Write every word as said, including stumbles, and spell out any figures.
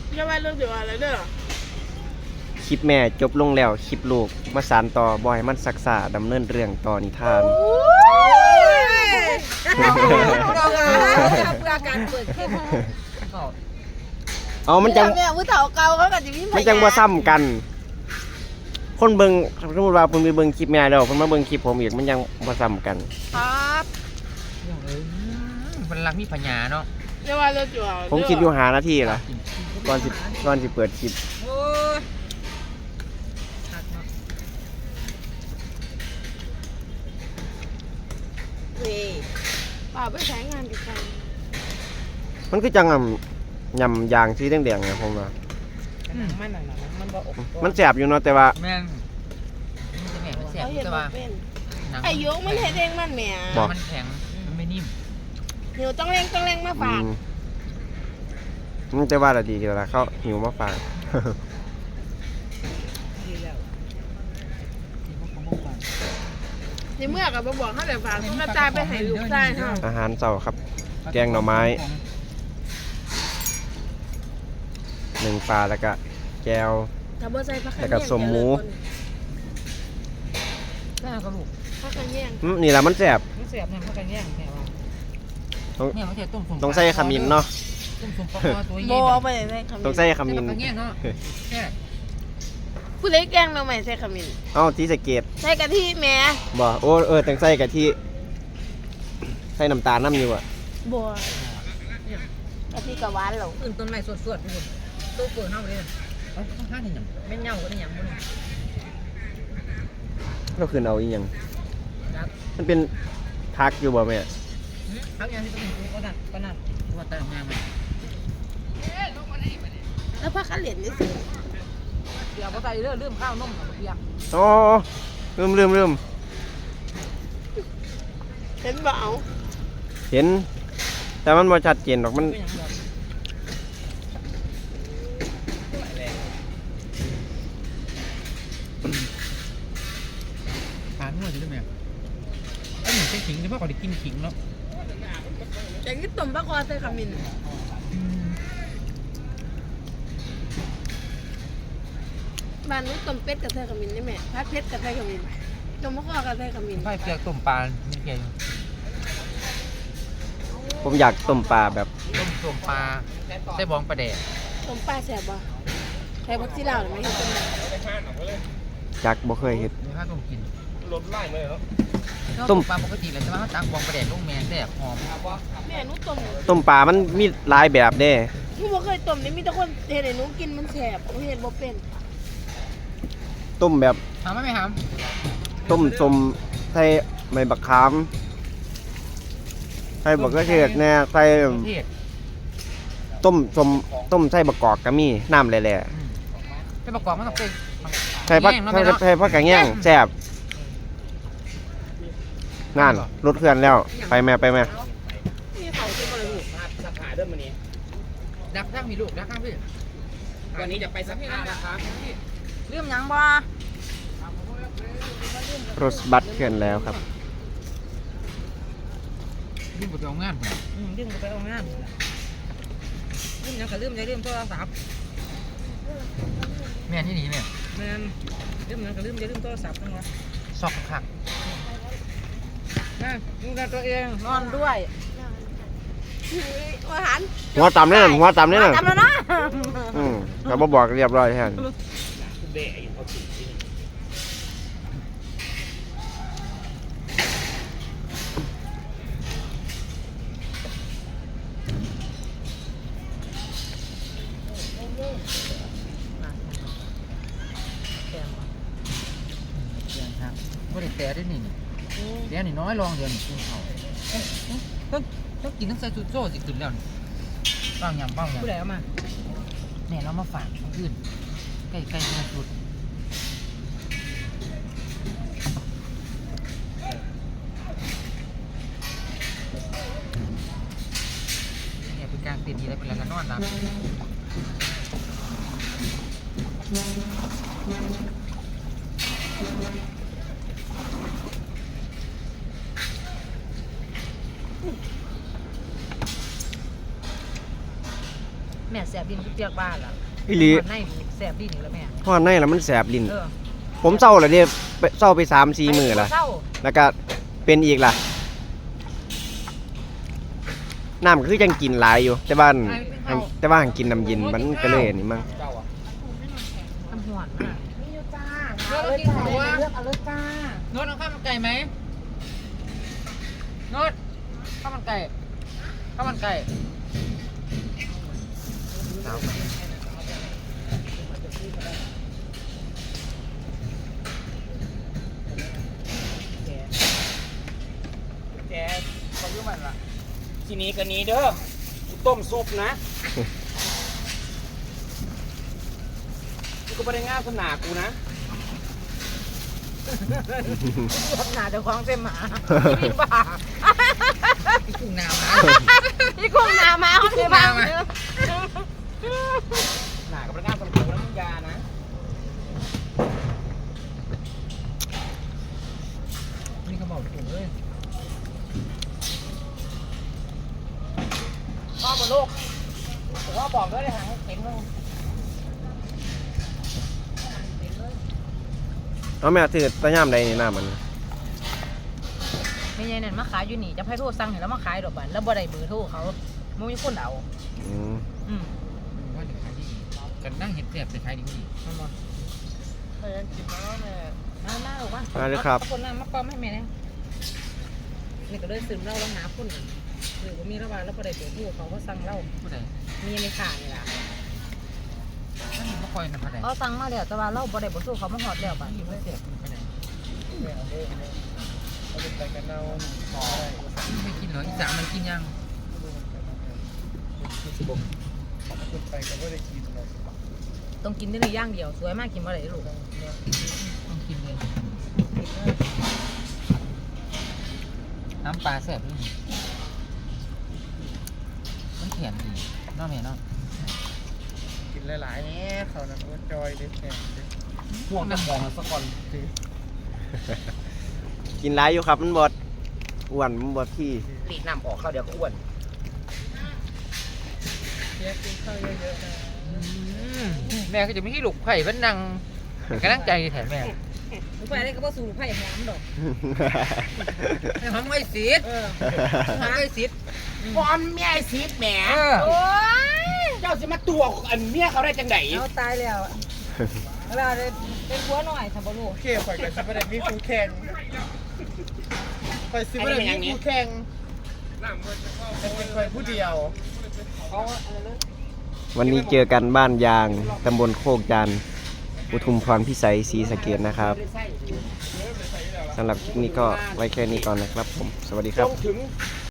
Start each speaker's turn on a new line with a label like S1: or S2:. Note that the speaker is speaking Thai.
S1: จะว่าเรื่องเดียวอะไรเด้อ
S2: คลิปแม่จบลงแล้วคลิปลูกมาสานต่อบอยมันศักษาดำเนินเรื่องต่อนิทาน
S3: เพื่อการเปิดคลิป
S2: เอามันจัง
S1: เนี่ยผู้เฒ่าเก่าเขาก็จะมี
S2: มันจังบ่ซ้ำกัน คนเบิ่งสมมุติว่าเพิ่นไปเบิ่งคลิปแม่แล้วเพิ่นมาเบิ่งคลิปผมอีกมันยังบ่ซ้ำกัน
S1: ครับ
S3: เอ้ยมันรักมีปัญญาเนาะ
S1: จะว่าเรื่องเดียว
S2: ผมคิดอยู่หานาทีล่ะก่อนสิก่อนสิเปิดคลิป
S3: โอ้ย
S1: นี่ป่าไปใช้งานกับใคร
S2: มันคือจังอ่ำยำยางสีแดงๆเนี่ยผมว่า
S3: มันนั่นน่ะมันบ่อก
S2: มันแซ่บอยู่เนาะแต่ว่า
S3: แม่นมันจะแม่มันแสบ
S1: เขาเห็น
S3: แต่
S1: ว่า
S3: ว่า
S1: เป็น
S3: หนัง
S1: ไอ้ยกมันเห็นเองมันแหม
S3: มันแข็งมันไม่นิ่ม
S1: หิวต้องเร่งต้องเร่งมา
S2: อื
S1: ฝาก
S2: มมันจะว่าละดีกันละเขาหิวมาฝาก
S1: ในเมื่อกับบอกเขาเลยฝากมาตายไปให้ลูกชายเขา
S2: อาหารเช้าครับ แกงหน่อไม้หนึ่งปลาแล้วก็แก้ว
S1: ถ้าบ่ใส่ผักขะ
S2: แล้วก็
S1: แยง
S2: สมหมู
S3: ได้กระลูก
S1: ผักขะแยง
S2: อืมนี่แหละมันแซ่บ
S3: มันเสียบเนี่ยมันก็แย่งแม่ว่า
S2: ต้อง
S3: เนี่ยมันจะต้มสม
S2: ต้องใส่ขมิ้นเนาะ
S3: ต้มสมปลาคอตัว
S1: โบ
S3: ใหญ่
S1: เอาไปใส่ขมิ้น
S2: ต้องใส่ขมิ้น
S3: ใส่แย่งเนาะแค่
S1: ผู้เล็กแกงเราใหม่ใส่ขมิ้น
S2: เอ้าที่สะเกต
S1: ใส่กะทิแหม่
S2: บ่โอ้เออต้องใส่กะทิใส่น้ำตาลน้ำอยู่อ่ะ
S1: บัวกะทิกับหวานเหรอ
S3: อื่นต้นไม้สดๆทุกคนตัวเปิดเน่าเลยเอาข้างๆนี่หยังแม่นเหงาก็ได้หยังบ่นี่
S2: ก็คือเอาอีหยัง
S3: ครับ
S2: มันเป็นพักอยู่บ่แม่
S3: พักยังที่ต้องมีก็นั่นก็นั่นตัวแต่งงานมา
S1: แล้วผักขะเหรียญนี่สิ
S3: เดี๋ยวก็ใส่เรื่องเรื่องข้าวนมเปียก
S2: อ๋อลืมลืมลืม
S1: เห็นบ่เอา
S2: เห็น แต่มันบ่ชัดเจนหรอกมัน
S3: เป็นอย่างเดียวทานนวดอยู่ด้วยไหมไอ้หนูใช้ขิงเฉพาะก่อนได้กินขิงเนาะ
S1: แต่นี่ต้มปลาคอใส่ขมิ้นบ้านนู้นต้มเป็ดกับใส่ขมิ้นนี่แม่ผัดเผ็ดกับใส่ขมิ้นต้มปลาคอกับใส่ขมิ้น
S3: ไฟเปียกต้มปลาไม่เกี่ยว
S2: ผมอยากต้มปลาแบบ
S3: ต้มต้มปลาใส่บองปลาแดด
S1: ต้มปลาแซ่บบ่ใส่ผักชีลาวหรือไม่เห็นต้ม
S2: จักบ่เคยเฮ็ด
S3: มีข้าวต้มกิน
S2: ต้
S3: ต้
S2: ม
S3: มปลาปกติเลยแต่ว่าเขาตักบองปลาแดดลูกแมงแซ่บหอม
S1: แม่หนูต้ม
S2: ต้มปลามันมีหลายแบบเด้
S1: หนูบ่เคยต้มนี่มีแต่คนเฮ็ดให้หนูกินมันแซ่บหนูเฮ็ดบ่เป็น
S2: ต้มแบบ
S3: ถามไหมไม่ถาม
S2: ต้มสมใส่ใบบักขามใส่บักกระเทียมแน่ใส่
S3: เทศ
S2: ต้มสมต้มใส่บักกอกก็มีน้ำแหล่
S3: เป็นประกอบมันต้องเป็น
S2: ๆใส่ผักใส่ใส่ผักกระแยงแซ่บนั่นรถเคลื่อนแล้วไปแม่ไปแม่
S1: นี่เขาสิบ่รู้
S3: สักขาเดิมมันนี้ดักข้างมีลูกดักข้างพี่วันนี้จะไปสักผ้านะครับเรื่องยังบ่
S2: รถบัสเคลื่อนแล้วครับ
S3: ลืมไปเอางานอืมลืมไปเอางานลืมยังก็ลืมใจลืมโทรศัพท์แม่นที่นี่แม่แม่นลืมยังก็ลืมใจลืมโทรศัพท์ทั้งวันซอกคักนั่นดูแลตัวเองนอนด้วย
S1: อาหาร
S2: หัวต่ำเนี่ยหัวต่ำเนี่ย
S1: ทำแล้วนะ
S2: อืมเขาบ่บอกเรียบร้อยแทน
S3: ก็ได้แต่ได้นี่เดี๋ยวนี่น้อยลองเดี๋ยวนี่กินเขาต้องต้องกินทั้งใส่ซุโซ่สิขึ้นแล้วนี่บ้างยำบ้างยำผู้ใดเอามาเนี่ยเรามาฝากคนอื่นใกล้ใกล้มาสุดเนี่ยเป็นการเตียนดีแล้วเป็นอะไรกันนอนนะแม่เนี่ยแสบดินคือเปียกบ้านล่ะ
S2: อีหลี
S3: ในแสบดินอยู่แล้วแม่
S2: เพราะว่าในแล้วมันแสบลิ้น
S3: เออ
S2: ผมเศร้าแล้วเด้ไปเศร้าไปสามสี่มื้อละ
S3: เศร้า
S2: แล้วก็เป็นอีกล่ะน้ำก็คือยังกินหลายอยู่ แต่บ้านแต่ว่าหังกินน้ำเย็นมันก็เลยอันนี่มั้ง
S3: เจ้าอ่ะทำหวนมาก
S1: มีอยู่จ้า
S3: เลือกกินของว่า
S1: เลือกเอาเลยจ้า
S3: โน้ตเอาข้าวมันไก่ไหมโน้ตข้าวมันไก่ข้าวมันไก่สาว
S4: แกเขาเรื่องมันละทีนี้กันนี้เด้อกูต้มซุปนะกูก็ไม่ได้ง่ายสนากูนะ
S3: ทำหนาเดี๋ยวคล้องเต็มหมาพี่บ้าพี่กุ้งนามา
S1: พี่กุ้งนามาเขาที่บ้าน
S4: หนากับพนักงานสำคัญแล้วมึงยานะ
S3: นี่เขาบอกถูกเลย
S4: พ่อบนลูกผมว่าบอกด้วยเลยหางเต็มเลย
S2: เอาแม่ถือตะย่ามใดนี่น้ามัน
S3: ไม่ใช่นั่นมาขายอยู่นี่จะให้โทรสั่งเห็นแล้วมาขายดอกบันแล้วบ่ได้เบอร์โทรเขาไม่มีคนเอา
S2: อืม
S3: อืมว่าเดี๋ยวขายดีกันนั่งเห็ดแสบจะขายดีกว่าดีมันบ่
S4: แม่กินแล้วแม่
S3: มามาหรอวะ
S2: มาเลยครับ
S3: คนนั้นมาปอมให้แม่เนี่ยนี่ก็เลยซึมเหล้าแล้วหาคนหรือว่ามีระหว่างแล้วบ่ได้เบอร์โทรเขาก็สั่งเหล้ามีในข่ายนี่ล่ะ
S4: ไม่ค่อยนะพะเด
S3: เขาสั่งมาแล้วแต่ว่าเราบ่ได้บ่สู้เขามาฮอดแล้วบัดนี้เสีย
S4: เอาเป็นไปกันเอาต่อ
S3: ไม่กินเหรออีสานมันกินยัง
S4: เป็นไปกันไม่ได้กินเลย
S3: ต้องกินได้ในย่างเดียวสวยมากกินบ่ได้ลูกต้องกินเลยน้ำปลาแซ่บด้วยมันเขียนดีน้องแม่น้อง
S4: กินหลายๆเนี่ยเขานั้นว่าจอยเด็ดแข็งพวกน้ำมองมันสักก่อนสิ
S2: กินหลายอยู่ครับมันบดอ้วนมันบดที่
S4: รีดน้ำออกเข้าเดี๋ยวก็อ้วน
S3: แม่ก็จะไม่ให้ลูกไผ่เป็นนางกำลังใจแถมแม่ลูกไผ่ได้ก็บ่สู้ลูกไผ่หอมดอกหอมไอ้สีดหอมไอ้สีด
S4: พร้อมเมียไอ้ซีดแหม
S1: โอ้ย
S4: เจ้าสิมาตัวอันเมียเขาได้จังไหน
S3: เอาตายแล้วเวลาเป็นผัวหน่อยสับปะรด
S4: โอเคข่อยกับซิบได้มีคู่แข่งข่อยซิบได้มีคู่แข่งแต่เป็นข่อยผู้เดียว
S2: วันนี้เจอกันบ้านยางตำบลโคกจันทร์อุทุมพรพิสัยศรีสะเกษนะครับสำหรับคลิปนี้ก็ไว้แค่นี้ก่อนนะครับผม สวัสดีครับ
S4: ต้องถึง